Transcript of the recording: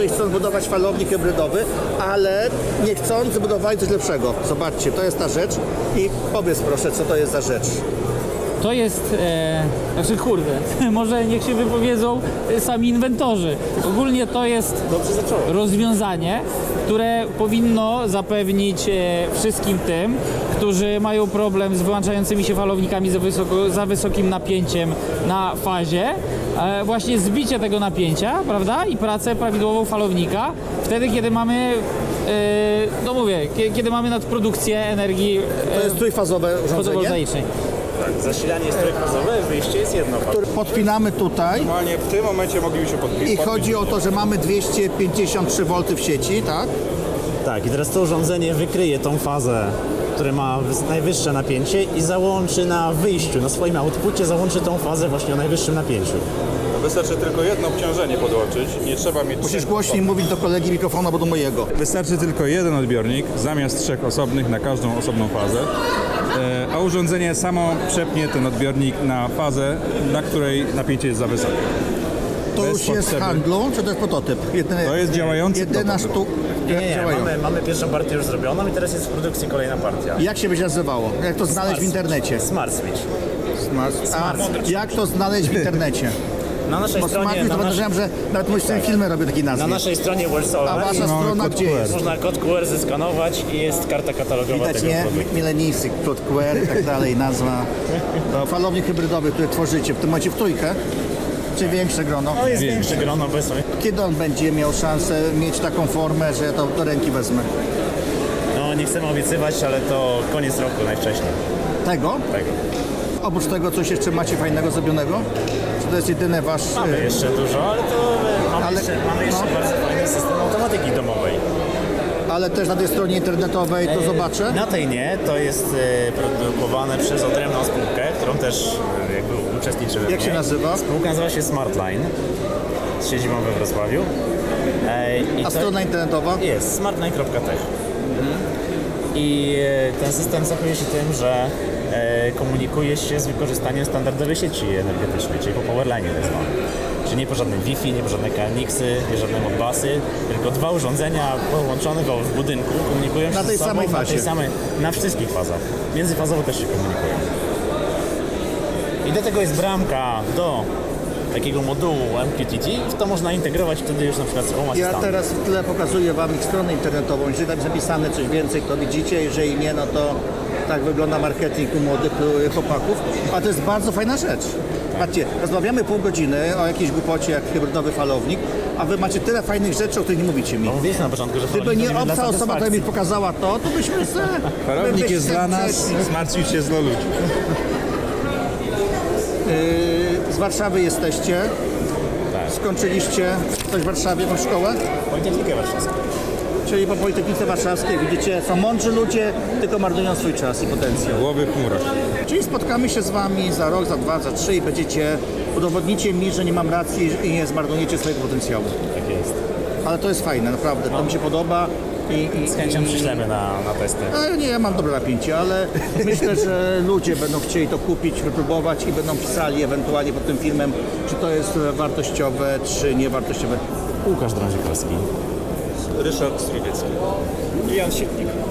Chcąc budować falownik hybrydowy, ale nie chcąc zbudować coś lepszego. Zobaczcie, to jest ta rzecz i powiedz proszę, co to jest za rzecz. To jest, znaczy kurde, może niech się wypowiedzą sami inwentorzy. Ogólnie to jest rozwiązanie, które powinno zapewnić wszystkim tym, którzy mają problem z wyłączającymi się falownikami za wysokim napięciem na fazie, właśnie zbicie tego napięcia, prawda, i pracę prawidłową falownika, wtedy kiedy mamy, no mówię, kiedy mamy nadprodukcję energii To jest trójfazowe urządzenie, fotowoltaicznej. Tak, zasilanie jest trójfazowe, wyjście jest jednofazowe. które podpinamy tutaj Normalnie w tym momencie mogliby się podpisać. i chodzi o to, że mamy 253 V w sieci, tak? Tak, i teraz to urządzenie wykryje tą fazę, która ma najwyższe napięcie i załączy na wyjściu, na swoim outpucie załączy tą fazę właśnie o najwyższym napięciu. Wystarczy tylko jedno obciążenie podłączyć, nie trzeba mieć... Musisz głośniej mówić do kolegi mikrofonu, albo do mojego. Wystarczy tylko jeden odbiornik zamiast 3 osobnych na każdą osobną fazę, a urządzenie samo przepnie ten odbiornik na fazę, na której napięcie jest za wysokie. To Bez już jest w potrzeby. handlu, czy to jest prototyp? To jest działający Jedyna prototyp. sztuka. Mamy pierwszą partię już zrobioną i teraz jest w produkcji kolejna partia. Jak się będzie nazywało? Jak to znaleźć w internecie? Smart Switch. Jak to znaleźć w internecie? Na naszej Bo stronie, smakuj, to podejrzewam, że nawet mój syn filmy robił takiej na nazwy. naszej stronie A Worldsolar wasza strona kod gdzie QR. jest? można kod QR zeskanować i jest karta katalogowa Widać, tego nie? produktu. Milenijscy, kod QR i tak dalej, nazwa. To falownik hybrydowy, który tworzycie w tym momencie w trójkę, czy większe grono? No jest większe grono obecnie. Kiedy on będzie miał szansę mieć taką formę, że ja to do ręki wezmę? No nie chcemy obiecywać, ale to koniec roku najwcześniej. Tego? Tego. Oprócz tego coś jeszcze macie fajnego zrobionego? Czy to jest jedyny wasz... Mamy jeszcze dużo, ale to mamy jeszcze no. bardzo fajny system automatyki domowej. Ale też na tej stronie internetowej to zobaczę? Na tej nie, to jest produkowane przez odrębną spółkę, którą też jakby uczestniczymy w Jak się niej. nazywa? Spółka nazywa się Smartline z siedzibą we Wrocławiu. I A to strona internetowa? jest smartline.tech. I ten system zachowuje się tym, że komunikuje się z wykorzystaniem standardowej sieci energetycznej, czyli po powerline tak zwanym. Czyli nie po żadnym Wi-Fi, nie po żadne KNX-y, nie żadne modbusy, tylko dwa urządzenia połączone w budynku komunikują się Na tej ze sobą samej fazie. na wszystkich fazach. Międzyfazowo też się komunikują. I do tego jest bramka do takiego modułu MQTT, to można integrować wtedy już na przykład z Home Ja Assistantem. teraz w tle pokazuję wam ich stronę internetową. Jeżeli tam jest zapisane coś więcej, to widzicie. Jeżeli nie, no to tak wygląda marketing u młodych chłopaków. A to jest bardzo fajna rzecz. Patrzcie, rozmawiamy pół godziny o jakiejś głupocie jak hybrydowy falownik, a wy macie tyle fajnych rzeczy, o których nie mówicie mi. No mówiliśmy na początku, że Gdyby falownik nie to dla obca osoba, która mi satysfakcji. pokazała to byśmy se... Falownik jest byście dla nas, przeszli. Smart Switch jest dla ludzi. Z Warszawy jesteście. Tak. Skończyliście coś w Warszawie, jakąś szkołę? Politechnikę Warszawską. Czyli po Politechnice Warszawskiej widzicie, są mądrzy ludzie, tylko marnują swój czas i potencjał. Głowy w chmurach. Czyli spotkamy się z wami za rok, za 2, za 3 i udowodnicie mi, że nie mam racji i nie zmarnujecie swojego potencjału. Tak jest. Ale to jest fajne, naprawdę, to mi się podoba. Z chęcią przyślemy na testy. Nie, ja mam dobre napięcie, ale myślę, że ludzie będą chcieli to kupić, wypróbować i będą pisali ewentualnie pod tym filmem, czy to jest wartościowe, czy niewartościowe. Łukasz Drążikowski. Ryszard Strugiecki. I Jan Sitnik.